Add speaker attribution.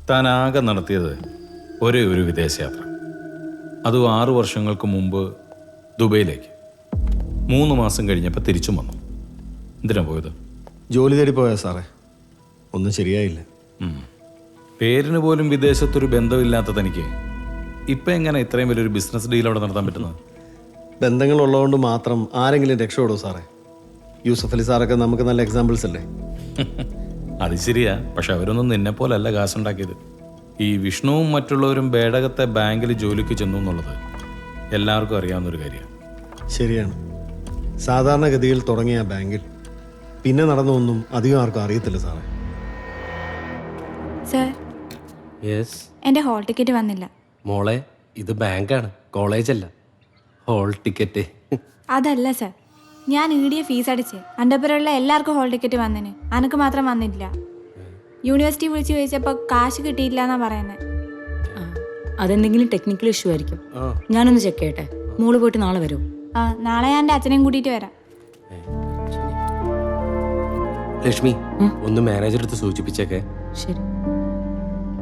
Speaker 1: താൻ ആകെ നടത്തിയത് ഒരേ ഒരു വിദേശയാത്ര. അതും 6 വർഷങ്ങൾക്ക് മുമ്പ് ദുബൈയിലേക്ക്. 3 മാസം കഴിഞ്ഞപ്പോൾ തിരിച്ചും വന്നു. എന്തിനാ പോയത്?
Speaker 2: ജോലി തേടി പോയാ സാറേ, ഒന്നും ശരിയായില്ല.
Speaker 1: പേരിന് പോലും വിദേശത്തൊരു ബന്ധമില്ലാത്ത തനിക്ക് ഇപ്പം എങ്ങനെ ഇത്രയും വലിയൊരു ബിസിനസ് ഡീൽ അവിടെ നടത്താൻ പറ്റുന്നത്?
Speaker 2: ബന്ധങ്ങളുള്ളതുകൊണ്ട് മാത്രം ആരെങ്കിലും രക്ഷപ്പെടുമോ സാറേ? യൂസഫ് അലി സാറൊക്കെ നമുക്ക് നല്ല എക്സാമ്പിൾസ് അല്ലേ?
Speaker 1: അത് ശരിയാ, പക്ഷെ അവരൊന്നും നിന്നെ പോലല്ല കാശുണ്ടാക്കിയത്. ഈ വിഷ്ണുവും മറ്റുള്ളവരും ബേഡകത്തെ ബാങ്കിൽ ജോലിക്ക് ചെന്നു എന്നുള്ളത് എല്ലാവർക്കും അറിയാവുന്നൊരു കാര്യമാണ്.
Speaker 2: ശരിയാണ്. സാധാരണഗതിയിൽ തുടങ്ങിയ ബാങ്കിൽ പിന്നെ നടന്നൊന്നും അധികം ആർക്കും അറിയത്തില്ല സാറേ.
Speaker 3: സർ,
Speaker 4: യെസ്
Speaker 3: എൻ്റെ ഹോൾ ടിക്കറ്റ് വന്നില്ല.
Speaker 4: മോളെ, ഇത് ബാങ്കാണ്, കോളേജല്ല. ഹോൾ ടിക്കറ്റ്
Speaker 3: അതല്ല സർ, ഞാൻ ഈടിയ ഫീസ് അടിച്ച് അൻ്റെപ്പുറമുള്ള എല്ലാവർക്കും ഹോൾ ടിക്കറ്റ് വന്നിന്, അനക്ക് മാത്രം വന്നില്ല. യൂണിവേഴ്സിറ്റി വിളിച്ച് ചോദിച്ചപ്പോൾ കാശ് കിട്ടിയില്ല എന്നാ പറയുന്നത്.
Speaker 5: അതെന്തെങ്കിലും ടെക്നിക്കൽ ഇഷ്യൂ ആയിരിക്കും. ഞാനൊന്ന് ചെക്ക് ചെയ്യട്ടെ. മോള് പോയിട്ട് നാളെ വരൂ.
Speaker 3: നാളെ ഞാൻ എൻ്റെ അച്ഛനെയും കൂട്ടിയിട്ട് വരാം.
Speaker 4: ലക്ഷ്മി, ഒന്ന് മാനേജർ അടുത്ത് സൂചിപ്പിച്ചേക്കെ.
Speaker 5: ശരി.